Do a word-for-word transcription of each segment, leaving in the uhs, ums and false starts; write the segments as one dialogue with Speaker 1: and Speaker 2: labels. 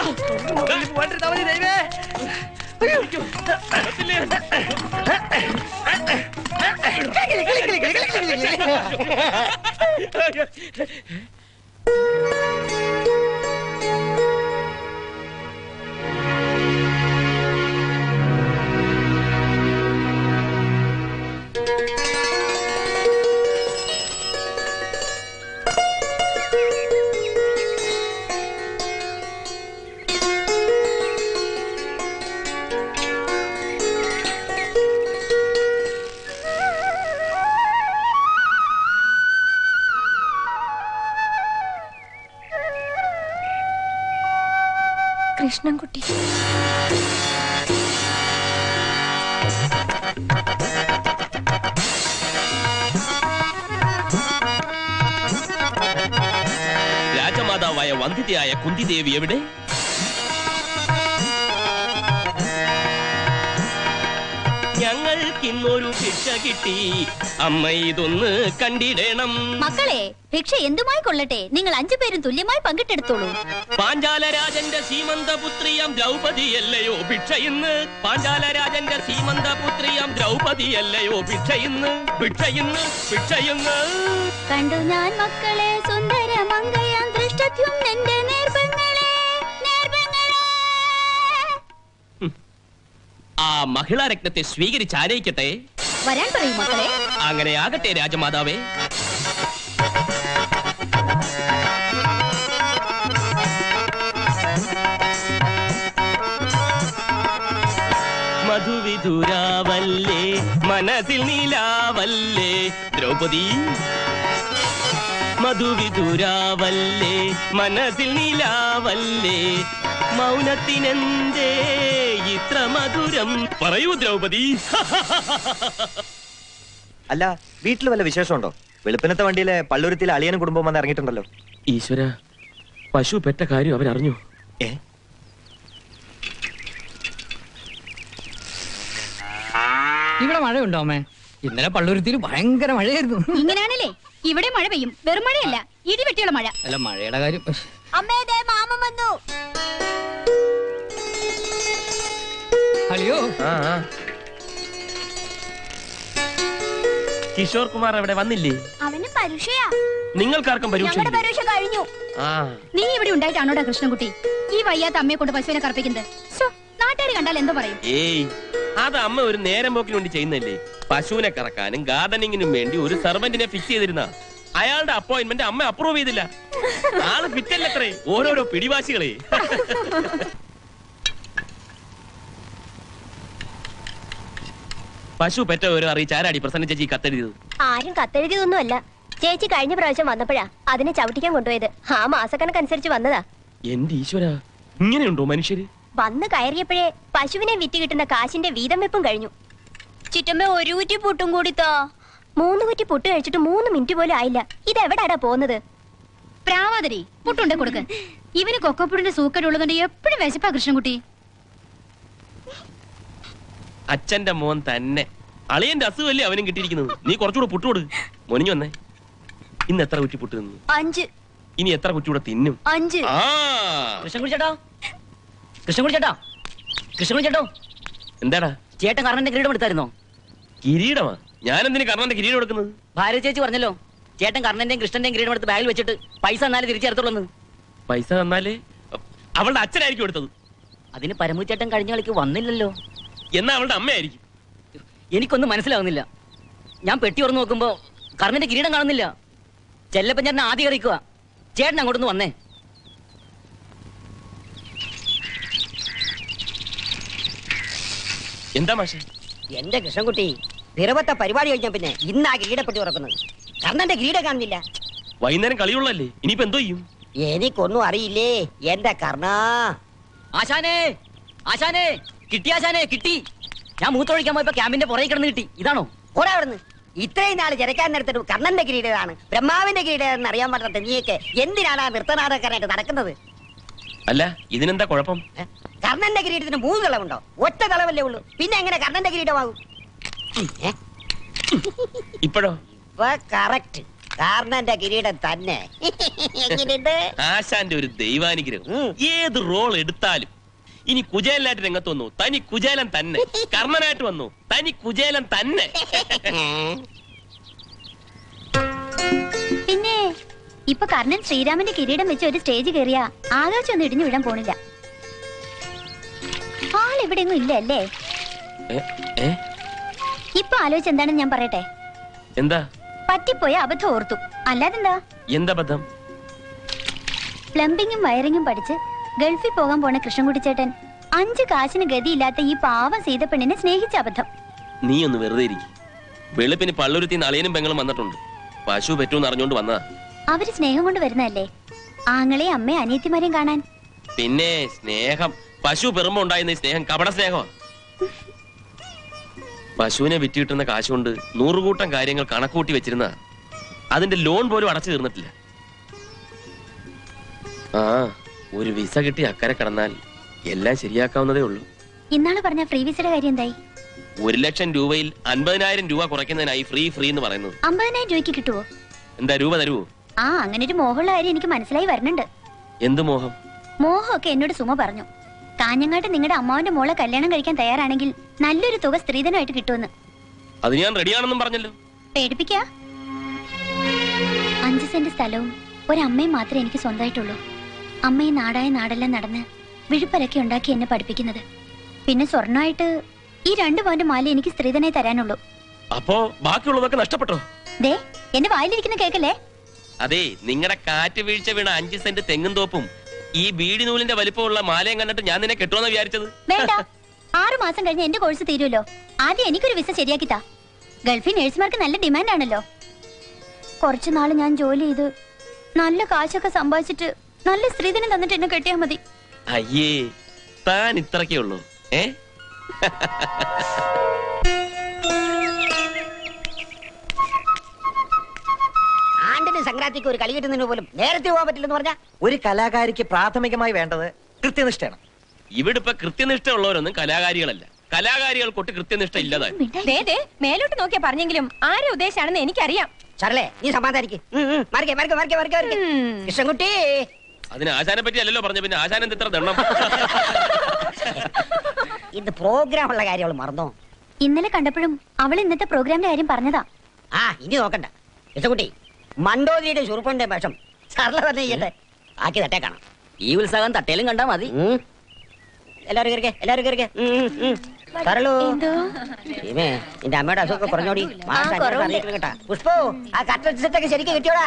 Speaker 1: കൃഷ്ണൻകുട്ടി
Speaker 2: രാജമാതാവായ വന്ദിതയായ കുന്തിദേവി എവിടെ? ഞങ്ങൾക്കിന്നൊരു ഭിക്ഷ കിട്ടി, അമ്മ ഇതൊന്ന് കണ്ടിടണം.
Speaker 3: മക്കളെ, ഭിക്ഷ എന്തുമായി കൊള്ളട്ടെ, നിങ്ങൾ അഞ്ചു പേരും തുല്യമായി പങ്കിട്ടെടുത്തോളൂ.
Speaker 2: പാഞ്ചാലരാജന്റെ സീമന്തപുത്രിയാം ദ്രൗപതിയല്ലയോ ഭിക്ഷ ഇന്ന്? പാഞ്ചാലരാജന്റെ സീമന്തപുത്രിയാം ദ്രൗപതിയല്ലയോ ഭിക്ഷ ഇന്ന്? ഭിക്ഷ ഇന്ന്, ഭിക്ഷ ഇന്ന്.
Speaker 3: കണ്ടു ഞാൻ മക്കളെ സുന്ദര മങ്കയാം ദൃഷ്ടത്വം എന്റെ നേർബങ്ങളെ, നേർബങ്ങളെ.
Speaker 2: ആ മഹിളാരത്നത്തെ സ്വീകരിച്ച് ആനയിക്കട്ടെ.
Speaker 3: വരാൻ പറയൂ മക്കളെ.
Speaker 2: അങ്ങനെ ആകട്ടെ രാജമാതാവേ. മധുവിധുരാവല്ലേ മനസ്സിൽ നീലാവല്ലേ ദ്രൗപദി, മധുവിധുരാവല്ലേ മനസ്സിൽ നീലാവല്ലേ, മൗനത്തിനെന്തേ ഇത്ര മധുരം? പറയൂ ദ്രൗപദി.
Speaker 4: അല്ല, വീട്ടിൽ വല്ല വിശേഷമുണ്ടോ? വെളുപ്പിനത്തെ വണ്ടിയിലെ പള്ളുരുത്തിലെ അളിയനും കുടുംബം വന്ന് ഇറങ്ങിയിട്ടുണ്ടല്ലോ.
Speaker 2: ഈശ്വര, പശു പെറ്റ കാര്യം അവരറിഞ്ഞു.
Speaker 4: ഏ
Speaker 5: ഇവിടെ മഴയുണ്ടോ അമ്മേ? ഇന്നലെ പള്ളുരുത്തിയിൽ ഭയങ്കര മഴയായിരുന്നു.
Speaker 3: ഇങ്ങനെയാണല്ലേ ഇവിടെ മഴ പെയ്യും. വെറും മഴയല്ല, ഇടിവെട്ടിയുള്ള മഴ.
Speaker 5: അല്ല, മഴയുടെ കാര്യം.
Speaker 3: അമ്മേ, ദേ മാമൻ വന്നു.
Speaker 5: അയ്യോ,
Speaker 2: കിഷോർ കുമാർ അവിടെ വന്നില്ലേ?
Speaker 3: അവന് പരീക്ഷയാ.
Speaker 2: നിങ്ങൾക്കാർക്കും പരീക്ഷ
Speaker 3: കഴിഞ്ഞു. നീ ഇവിടെ ഉണ്ടായിട്ടാണോടാ കൃഷ്ണൻകുട്ടി ഈ വയ്യാത്ത അമ്മയെ കൊണ്ട് പശുവിനെ കറപ്പിക്കുന്നത്? നാട്ടുകാർ കണ്ടാൽ എന്തോ പറയും?
Speaker 2: ഏയ്, അത് അമ്മ ഒരു നേരം പോക്കിന് വേണ്ടി ചെയ്യുന്നല്ലേ. പശുവിനെ കറക്കാനും ഗാർഡനിങ്ങിനും വേണ്ടി ഒരു സർവന്റിനെ ഫിക്സ് ചെയ്തിരുന്ന അയാളുടെ അപ്പോയിന്റ്മെന്റ് അമ്മ അപ്രൂവ് ചെയ്തില്ല. ആള് ഫിറ്റല്ലത്രേ, ഓരോരോ പിടിവാശികളെ. പശു പെറ്റ ഓരോ അറിയിച്ച് ആരാടി പ്രസന്ന ചേച്ചി കത്തെഴുതിയത്?
Speaker 1: ആരും കത്തെഴുതിയതൊന്നും അല്ല. ചേച്ചി കഴിഞ്ഞ പ്രാവശ്യം വന്നപ്പോഴാ അതിനെ ചവിട്ടിക്കാൻ കൊണ്ടുപോയത്. ആ മാസക്കണക്കനുസരിച്ച് വന്നതാ.
Speaker 2: എന്റെ ഈശ്വര, ഇങ്ങനെയുണ്ടോ മനുഷ്യര്?
Speaker 1: വന്ന് കയറിയപ്പോഴേ പശുവിനെ വിറ്റ് കിട്ടുന്ന കാശിന്റെ വീതം വെപ്പും കഴിഞ്ഞു. ചുറ്റമ്മ ഒരു കുറ്റി പുട്ടും കൂടിത്തോ. മൂന്ന് കുറ്റി പുട്ട് കഴിച്ചിട്ട് മൂന്ന് മിനിറ്റ് പോലും ആയില്ല. ഇതെവിടാടാ പോകുന്നത്?
Speaker 3: പ്രാവാതിരി പുട്ടുണ്ടേ കൊടുക്ക്. ഇവന് കൊക്കപ്പുടിന്റെ സൂക്കടുള്ളതുകൊണ്ട് എപ്പോഴും വിശപ്പാ കൃഷ്ണൻകുട്ടി.
Speaker 2: അച്ഛന്റെ മോൻ തന്നെ. അളിയന്റെ അസുഖല്ലേ അവനും കിട്ടിയിരിക്കുന്നത്. നീ കുറച്ചുകൂടെ പുട്ടുകൊടു. മൊനിഞ്ഞു വന്നേ. ഇന്ന് എത്ര കുറ്റി പുട്ട് തിന്നു?
Speaker 1: അഞ്ച്.
Speaker 2: ഇനി എത്ര കുറ്റിയൂടെ തിന്നും?
Speaker 1: അഞ്ച്.
Speaker 2: ആ
Speaker 5: കൃഷ്ണൻകുട്ടി ചേട്ടാ, കൃഷ്ണൻകുട്ടി ചേട്ടാ, കൃഷ്ണൻകുട്ടി ചേട്ടോ.
Speaker 2: എന്താടാ?
Speaker 5: ചേട്ടൻ കർണന്റെ കിരീടം എടുത്തായിരുന്നോ?
Speaker 2: കിരീടമാ? ഞാനെന്തിനു കർണന്റെ കിരീടം എടുക്കുന്നത്?
Speaker 5: ഭാര്യ ചേച്ചി പറഞ്ഞല്ലോ, ചേട്ടൻ കർണന്റെയും കൃഷ്ണന്റെയും കിരീടം എടുത്ത് ബാഗിൽ വെച്ചിട്ട് പൈസ തന്നാലും തിരിച്ചെടുത്തോളന്ന്.
Speaker 2: പൈസ തന്നാലേ? അവളുടെ അച്ഛനായിരിക്കും എടുത്തത്.
Speaker 5: അതിന് പരമു ചേട്ടൻ കഴിഞ്ഞ കളിക്ക് വന്നില്ലല്ലോ.
Speaker 2: എന്നാ അവളുടെ അമ്മയായിരിക്കും.
Speaker 5: എനിക്കൊന്നും മനസ്സിലാവുന്നില്ല. ഞാൻ പെട്ടി തുറന്നു നോക്കുമ്പോ കർണന്റെ കിരീടം കാണുന്നില്ല. ചെല്ലപ്പൻ ചേട്ടൻ ആദ്യം കറിക്കുക. ചേട്ടൻ അങ്ങോട്ടൊന്ന് വന്നേ.
Speaker 2: എന്താ മാഷെ?
Speaker 6: എന്റെ കൃഷ്ണൻകുട്ടി, നിറവത്തെ പരിപാടി കഴിഞ്ഞ പിന്നെ ഇന്നാ കിരീടപ്പെട്ടി തുറക്കുന്നത്. കർണന്റെ കിരീടം കാണുന്നില്ല.
Speaker 2: വൈകുന്നേരം കളിയുള്ളല്ലേ, ഇനിയിപ്പോ എന്തോ ചെയ്യും?
Speaker 6: എനിക്കൊന്നും അറിയില്ലേ എന്റെ കർണ.
Speaker 5: ആശാനേ, ആശാനേ, കിട്ടി ആശാനേ, കിട്ടി. ഞാൻ മൂത്തൊഴിക്കാൻ പോയപ്പോ ക്യാമ്പിന്റെ പുറകെ കിടന്ന് കിട്ടി. ഇതാണോ?
Speaker 6: ഓടാ അവിടുന്ന്. ഇത്രയും നാള് ജനക്കാൻ നേരത്തൊരു കർണന്റെ കിരീടമാണ്, ബ്രഹ്മാവിന്റെ കിരീടമാണെന്ന് അറിയാൻ പറ്റാത്ത നീയൊക്കെ എന്തിനാണ് ആ നൃത്തനാടകക്കാരായിട്ട് നടക്കുന്നത്?
Speaker 2: അല്ല, ഇതിനെന്താ കുഴപ്പം?
Speaker 6: കർണന്റെ കിരീടത്തിന് മൂന്ന് തളവുണ്ടോ? ഒറ്റ തളവല്ലേ ഉള്ളൂ. പിന്നെ എങ്ങനെ കർണന്റെ കിരീടമാകും?
Speaker 2: ഇപ്പോഴോ?
Speaker 6: കറക്റ്റ്. കർണന്റെ കിരീടം തന്നെ. എങ്ങനെയുണ്ട്?
Speaker 2: ആശാന്റെ ഒരു ദൈവാനുഗ്രഹം.
Speaker 6: ഉം.
Speaker 2: ഏത് റോൾ എടുത്താലും ഇനി കുചേലനായിട്ട് രംഗത്ത് വന്നു, തനി കുചേലൻ തന്നെ. കർണനായിട്ട് വന്നു, തനി കുചേലൻ തന്നെ.
Speaker 1: പിന്നെ ഇപ്പൊ കർണൻ ശ്രീരാമന്റെ കിരീടം വെച്ച് ഒരു സ്റ്റേജ് കയറിയ ആകാശം ഒന്നും ഇടിഞ്ഞു വിടാൻ പോണില്ല. ആളെവിടെയൊന്നും ഇല്ല അല്ലേ?
Speaker 2: ഏ, ഏ?
Speaker 1: ഇപ്പൊ ആലോചിച്ച് എന്താണെന്ന് ഞാൻ പറയട്ടെ.
Speaker 2: എന്താ
Speaker 1: പറ്റിപ്പോയ അബദ്ധം ഓർത്തു, അല്ലാതെന്താ?
Speaker 2: എന്താ ബദ്ധം?
Speaker 1: പ്ലംബിങ്ങും വയറിങ്ങും പഠിച്ച് ഗൾഫിൽ പോകാൻ പോണ കൃഷ്ണൻകുട്ടി ചേട്ടൻ അഞ്ച് കാശിന് ഗതിയില്ലാത്ത ഈ പാവം സീതപ്പെണ്ണിനെ സ്നേഹിച്ച അബദ്ധം.
Speaker 2: നീ ഒന്ന് വെറുതെ ഇരിക്കും. വെളുപ്പിന് പള്ളുരുത്തി നളിയനും പെങ്ങളും വന്നിട്ടുണ്ട്. പശു പറ്റൂന്ന് അറിഞ്ഞോണ്ട് വന്നതാ.
Speaker 1: അവര് സ്നേഹം കൊണ്ട് വരുന്നതല്ലേ, ആങ്ങളെയും അമ്മയും അനിയത്തിമാരെയും കാണാൻ.
Speaker 2: പിന്നെ സ്നേഹം, പശു പെറുമ്പോ ഉണ്ടായിരുന്ന ഈ സ്നേഹം കപട സ്നേഹമാണ്. പശുവിനെ വിറ്റ് കിട്ടുന്ന കാശ് കൊണ്ട് നൂറുകൂട്ടം കാര്യങ്ങൾ കണക്കൂട്ടി വെച്ചിരുന്ന അതിന്റെ ലോൺ പോലും അടച്ചു തീർന്നിട്ടില്ല. ആ ഒരു വിസ കിട്ടി അക്കരെ കടന്നാൽ എല്ലാം ശരിയാക്കാവുന്നതേ ഉള്ളൂ.
Speaker 1: ഇന്നാള് പറഞ്ഞ ഫ്രീ വിസയുടെ കാര്യം എന്തായി?
Speaker 2: ഒരു ലക്ഷം രൂപയിൽ അൻപതിനായിരം രൂപ കുറയ്ക്കുന്നതിനായി ഫ്രീ ഫ്രീ എന്ന് പറയുന്നത്.
Speaker 1: അമ്പതിനായിരം രൂപയ്ക്ക് കിട്ടുവോ?
Speaker 2: എന്താ രൂപ തരുവോ?
Speaker 1: ആ അങ്ങനെ ഒരു മോഹമുള്ള കാര്യം എനിക്ക് മനസ്സിലായി വരുന്നുണ്ട്.
Speaker 2: എന്ത് മോഹം?
Speaker 1: മോഹമൊക്കെ എന്നോട് സുമ പറഞ്ഞു. കാഞ്ഞങ്ങാട്ട് നിങ്ങളുടെ അമ്മാവന്റെ മോളെ കല്യാണം കഴിക്കാൻ തയ്യാറാണെങ്കിൽ നല്ലൊരു തുക സ്ത്രീധനമായിട്ട് കിട്ടുമെന്ന്.
Speaker 2: അത് ഞാൻ റെഡിയാണെന്നും പറഞ്ഞല്ലോ.
Speaker 1: പേടിപ്പിക്ക. അഞ്ച് സെന്റ് സ്ഥലവും ഒരമ്മയും മാത്രമേ എനിക്ക് സ്വന്തമായിട്ടുള്ളൂ. അമ്മയും നാടായ നാടെല്ലാം നടന്ന് വിഴുപ്പലൊക്കെ ഉണ്ടാക്കി എന്നെ പഠിപ്പിക്കുന്നത്. പിന്നെ സ്വർണ്ണമായിട്ട് ഈ രണ്ടു പവന്റെ മാല എനിക്ക് സ്ത്രീധനായി തരാനുള്ളൂ.
Speaker 2: അപ്പോ ബാക്കിയുള്ളതൊക്കെ നഷ്ടപ്പെട്ടോ?
Speaker 1: ദേ എന്റെ വായിലിരിക്കുന്ന കേക്കല്ലേ?
Speaker 2: അതെ, നിങ്ങളുടെ കാറ്റ് വീഴ്ച വീണ അഞ്ച് സെന്റ് തെങ്ങും തോപ്പും ഈ ബീഡി നൂലിന്റെ വലിപ്പമുള്ള മാലയും കണ്ടിട്ട് ഞാൻ നിന്നെ കെട്ടുമെന്ന് വിചാരിച്ചത്.
Speaker 1: വേണ്ട, ആറു മാസം കഴിഞ്ഞ് എന്റെ കോഴ്സ് തീരുമല്ലോ. ആദ്യം എനിക്കൊരു വിസ ശരിയാക്കിത്താ. ഗൾഫിൽ നഴ്സുമാർക്ക് നല്ല ഡിമാൻഡ് ആണല്ലോ. കുറച്ചു നാള് ഞാൻ ജോലി ചെയ്ത് നല്ല കാശൊക്കെ സമ്പാദിച്ചിട്ട് നല്ല സ്ത്രീധനം തന്നിട്ട് എന്നെ കെട്ടിയാ മതി.
Speaker 2: അയ്യേ, താൻ ഇത്രക്കേ ഉള്ളൂ. ഏ
Speaker 6: ആണ്ടിന് സംക്രാന്തിക്ക് ഒരു കളി കിട്ടുന്നതിന് പോലും നേരത്തെ പോകാൻ പറ്റില്ലെന്ന് പറഞ്ഞാ
Speaker 4: ഒരു കലാകാരിക്ക് പ്രാഥമികമായി വേണ്ടത് കൃത്യനിഷ്ഠയാണ്.
Speaker 2: ഇവിടെ ഇപ്പൊ കൃത്യനിഷ്ഠ ഉള്ളവരൊന്നും കലാകാരികളല്ല. കലാകാരികൾക്കൊട്ട് കൃത്യനിഷ്ഠ ഇല്ലതായി.
Speaker 3: മേലോട്ട് നോക്കിയാ പറഞ്ഞെങ്കിലും ആരെ ഉദ്ദേശാണെന്ന് എനിക്കറിയാം.
Speaker 6: ചാർലേ നീ സമാധാനിക്ക്. മറിക്കേ മറിക്കേ മറിക്കേ മറിക്കേ മറിക്കേ കൃഷ്ണൻകുട്ടി.
Speaker 2: അതിന് ആശാനെ പറ്റി അല്ലല്ലോ പറഞ്ഞു. പിന്നെ ആശാൻ എന്ത് ഇത്ര ദണ്ണം?
Speaker 6: ഇത് പ്രോഗ്രാം ഉള്ള കാര്യം അവള് മറന്നോ?
Speaker 1: ഇന്നലെ കണ്ടപ്പോഴും അവൾ ഇന്നത്തെ പ്രോഗ്രാമിന്റെ കാര്യം പറഞ്ഞതാ.
Speaker 6: ആ ഇനി നോക്കണ്ട കൃഷ്ണൻകുട്ടി. മണ്ടോതിരിയുടെ ചുറുപ്പന്റെ വേഷം ചാർല തന്നെ ചെയ്യട്ടെ. ബാക്കി തട്ടേ കാണാം.
Speaker 5: ഈ ഉത്സാഹം തട്ടേലും കണ്ടാ മതി.
Speaker 6: എല്ലാരും കയറിക്കേ എല്ലാരും കയറിക്കേ. തരളൂ നിന്റെ അമ്മയുടെ അസുഖം കുറഞ്ഞോടി. കേട്ടാ പുഷ്പോ ആ കട്ട സെറ്റൊക്കെ ശരിക്കും കിട്ടിയോടാ.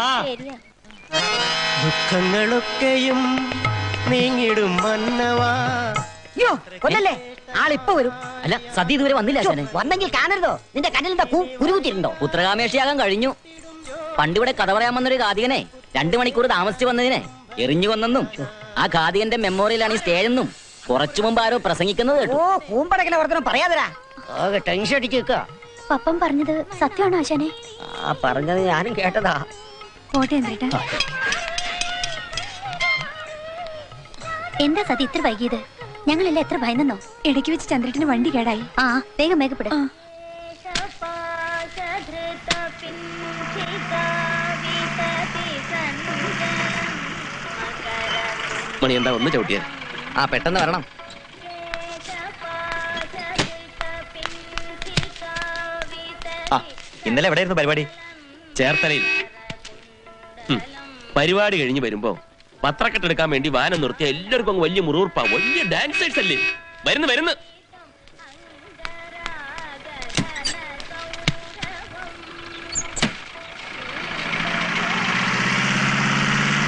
Speaker 7: ദുഃഖങ്ങളൊക്കെയും നീങ്ങിടും മന്നവാ.
Speaker 6: അയ്യോ കൊല്ലല്ലേ, ആളിപ്പോ വരും.
Speaker 5: അല്ല സദ്യ ഇതുവരെ വന്നില്ല ആശാനെ.
Speaker 6: വന്നെങ്കിൽ കാണരുതോ? നിന്റെ കണ്ണിലെന്താ കുരുകുത്തിരുണ്ടോ?
Speaker 5: പുത്രകാമേഷിയാകാൻ കഴിഞ്ഞു. പണ്ടിവിടെ കഥ പറയാൻ വന്നൊരു കാതികനെ രണ്ടു മണിക്കൂർ താമസിച്ചു വന്നതിനെ എറിഞ്ഞു കൊന്നെന്നും ആ കാതികന്റെ മെമ്മോറിയലാണ് ഈ സ്റ്റേജെന്നും കുറച്ചു മുമ്പ് ആരോ പ്രസംഗിക്കുന്നത് കേട്ടു.
Speaker 6: ഓ കൂമ്പടക്കല വർത്തനം പറയാതരാ. ടെൻഷൻ അടിച്ച് നിൽക്കുക.
Speaker 1: പപ്പൻ പറഞ്ഞത് സത്യമാണോ ആശാനെ?
Speaker 6: ആ പറഞ്ഞത് ഞാനും കേട്ടതാ.
Speaker 1: പോട്ടെ എന്നിട്ട് എന്താ സതി ഇത്ര വൈകിയത്? ഞങ്ങളെല്ലാം എത്ര ഭയന്നോ. ഇടയ്ക്ക് വെച്ച് ചന്ദ്രട്ടിന് വണ്ടി കേടായി. ആ വേഗം വേഗപ്പെട.
Speaker 2: മണി എന്താ ഒന്ന് ചവിട്ടിയാ?
Speaker 4: ആ പെട്ടെന്ന് വരണം. ആ ഇന്നലെ എവിടെയായിരുന്നു പരിപാടി?
Speaker 2: ചേർത്തലയിൽ. ഉം. പരിപാടി കഴിഞ്ഞ് വരുമ്പോ പത്രക്കെട്ടെടുക്കാൻ വേണ്ടി വാനം നിർത്തിയ എല്ലാവർക്കും അങ്ങ് വലിയ മുറിവുറപ്പാ. വലിയ ഡാൻസേഴ്സ് അല്ലേ വരുന്നു വരുന്നു.